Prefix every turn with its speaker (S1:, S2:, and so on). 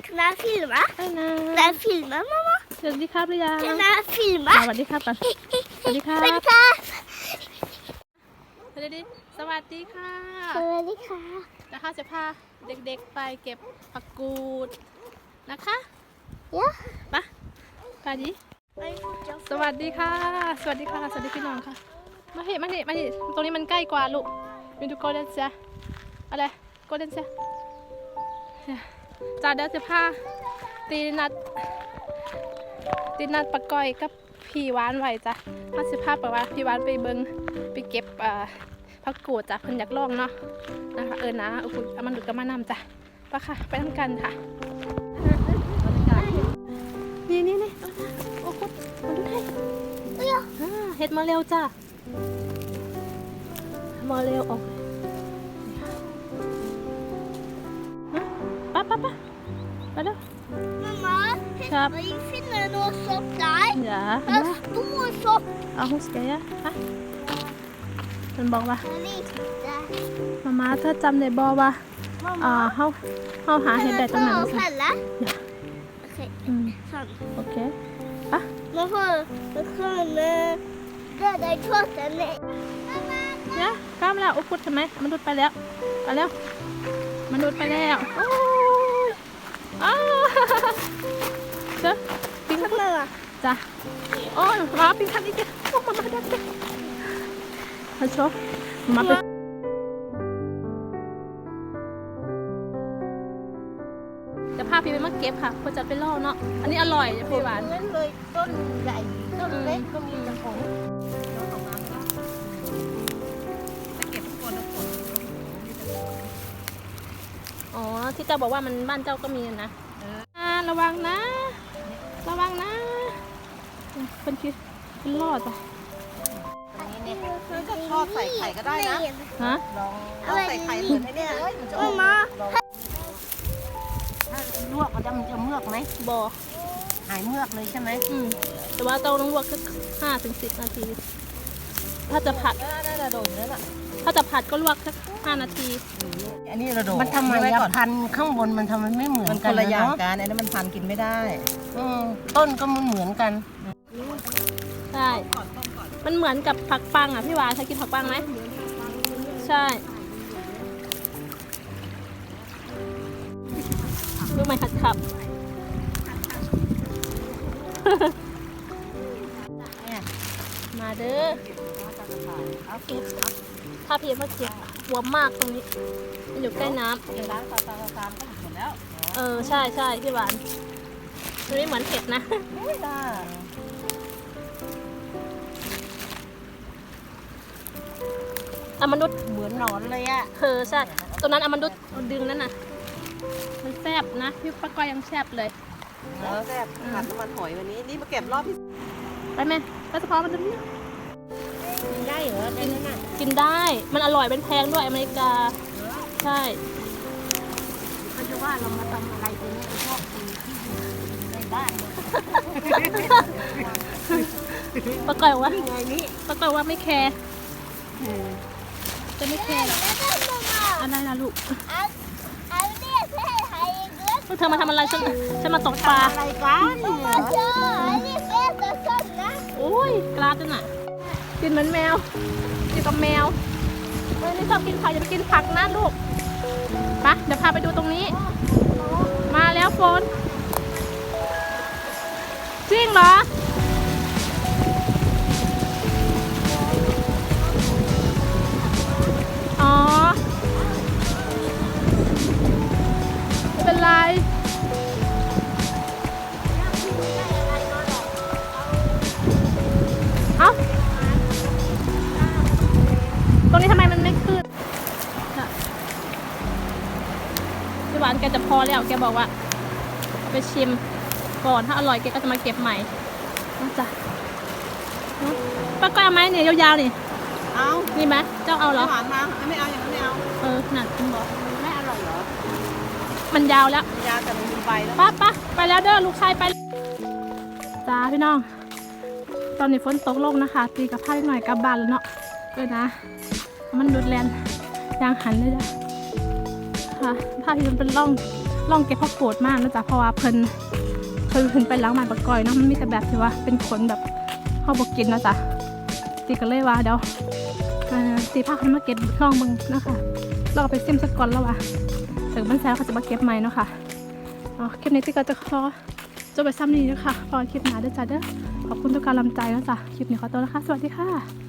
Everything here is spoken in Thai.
S1: Kan jag filma? Kan jag filma, mamma?
S2: สวัสดีครับหรือยัง
S1: Kan jag filma?
S2: สวัสดีครับก่อนสวัสดีครับ
S1: Swaddy ka!
S2: สวัสดีสวัสดีค่ะ
S1: Swaddy ka!
S2: นะคะจะพาเด็กๆไปเก็บผักกูดนะคะ
S1: Ja.
S2: ไปดิสวัสดีค่ะ สวัสดีค่ะ สวัสดีพี่น้องค่ะ มาเหมาเหตรงนี้มันใกล้กว่าลูกมีดูโกลเด้นเซียอะไรโกลเด้นเซียจ้าเดี๋ยวจะพาตีนัดปะก้อยกับพี่หวานไหวจ้ะมาสิพาไปว่าพี่หวานไปเบิงไปเก็บผักกูดจ้ะเพิ่นอยากลองเนาะนะคะนะโอ้โหเอามันดูดกับมานำจ้ะไปค่ะไปทำกันค่ะนี่โอ้โหมาดูให้เฮ็ดมาเร็วจ้ะมาเร็วออกป้าไปเร็ว
S1: Mamma,
S2: Kap.
S1: jag finner någon sopp där.
S2: อย่า
S1: En stor sopp.
S2: เอาหุสเกยฮะมันบอกว่า
S1: Lite.
S2: มาเธอจำได้บอกว่าเฮาหาเห็ดได้ตรงไหน
S1: Man
S2: สิ
S1: får fälla.
S2: อืม
S1: Sån.
S2: โอเค
S1: Man kan döda i tårtan.
S2: เนี่ยกล้ามแล้วโอ้พุดทำไมมันดูดไปแล้วมันดูดไปแล้วโอ้ยอ้าวเจ้าปิงคันเลยจ้ะโอ้ยมาปิงคันอีกแล้วโอ้มาดักเลยมาโชว์มาไปจะพาพี่ไปมาเก็บค่ะเพื่อจะไปล่อเนาะอันนี้อร่อยพี่หวาน
S1: นั้นเลยต้นใหญ่ต้นเล็กก็มีกระป๋อง
S2: อ๋อที่เจ้าบอกว่ามันบ้านเจ้าก็มีนะระวังนะคนคิดเป็นรอดอ่ะ
S3: ก็ทอดใส่ไข่ก็ได้นะ
S2: ฮะ
S3: ลองทอดใส่ไข่เหมือนไอ้เนี่ยมันจะออก
S1: มา
S3: ถ้าลวกมันจะเมือกไหม
S2: บ่อ
S3: หายเมือกเลยใช่ไหม
S2: แต่ว่าเจ้าต้องลวกแค่5-10 นาทีถ้าจะผัด
S3: น่าจะโดนแล้วล่ะ
S2: ถ้าจะผัดก็ลวกแค่5 นาที
S3: อันนี้เราโดนมันทำไมพันข้างบนมันทำไมไม่เหมือนกันคนละอย่างกันอันนี้มันพันกินไม่ได้ต้นก็มันเหมือนกัน
S2: ใช่มันเหมือนกับผักปังอ่ะพี่วานเคยกินผักปังไหมใช่ลูกไม้ขัดขับ มาเด้อเอาเก็บถ้าเพียงว่าเก็บหัวมากตรงนี้มันอยู่ใกล้น้ำ
S3: ร้านตาก็หมดแล้ว
S2: ใช่พี่หวานมันไม่เหมือนเห็ดนะ
S3: ไม่ได้
S2: มนุษย์
S3: เหมือนหนอนเลยอ่ะ
S2: ใช่ตรงนั้นมนุษย์ดึงนั่นน่ะมันแซ่บนะพี่ป้าก้อยยังแซ่บเลย
S3: แล้วแซ่บผัดน้ำมันหอยวันนี้นี่มาเก็บรอบที่
S2: ไปไหมไปสะพอมันจะนี่
S3: กินได้เหรอได้นั่นน่ะ
S2: กินได้มันอร่อยเป็นแพงด้วยอเมริกาใช่
S3: เขาจะว่าเรามาทำอะไรตัวนี้พวกที่อยู่ในบ้าน
S2: ป้าก้อยว่า
S3: ไงนี่
S2: ป้าก้อยว่าไม่แคร์จะไม่แคร์หรอกอะไรล่ะลูกเธอมาทำอะไรฉันมาตกปลา
S3: อะไรกันเนี่ย
S2: โอ้ยกลาดน่ะกินเหมือนแมวกินกับแมวนี่ชอบกินผักอย่าไปกินผักนะลูกไปเดี๋ยวพาไปดูตรงนี้มาแล้วโฟนจริงเหรออ๋อไม่เป็นไรเอ้าตรงนี้ทำไมมันไม่ขึ้นพี่หวานแกจะพอแล้วแกบอกว่าไปชิมก่อนถ้าอร่อยแกก็จะมาเก็บใหม่นะจ๊ะป้าก้อยเอาไหมเนี่ยยาวๆนี่
S3: เอา
S2: นี่ไหมเจ้าเอาเหรอ
S3: หวานมาไม่เอาอย่างนั้นไม่เอา
S2: นั่นคุณบอก
S3: ไม่อร่อยเหรอ
S2: มันยาวแล้ว
S3: ยาแต่มันมีใบแล้ว
S2: ป้าไปแล้วเด้อลูกชายไปจ้าพี่น้องตอนนี้ฝนตกลงนะคะตีกับผ้าหน่อยกลับบ้านแล้วเนาะนะมันดูดแลนยางหันเลยจ้ะค่ะผ้าที่มันเป็นร่องลองเก็บผักโกดมากนะจ๊ะเพราะว่าเพิ่นเคยขึ้นไปล้างบ้านปะกอยเนาะมันมีแต่แบบที่ว่าเป็นขนแบบเขาบอกกินนะจ๊ะตีกันเลยว่าเดี๋ยวตีผ้าขึ้นมาเก็บลองมึงนะคะเราไปซิมสกอนแล้วว่ะถึงบ้านแซวเขาจะมาเก็บใหม่เนาะค่ะคลิปนี้ตีก็จะขอจบไปซ้ำนี้นะคะพอคลิปหน้าด้วยจ้ะเด้อขอบคุณทุกการลำใจนะจ๊ะคลิปนี้ขอตัวนะคะสวัสดีค่ะ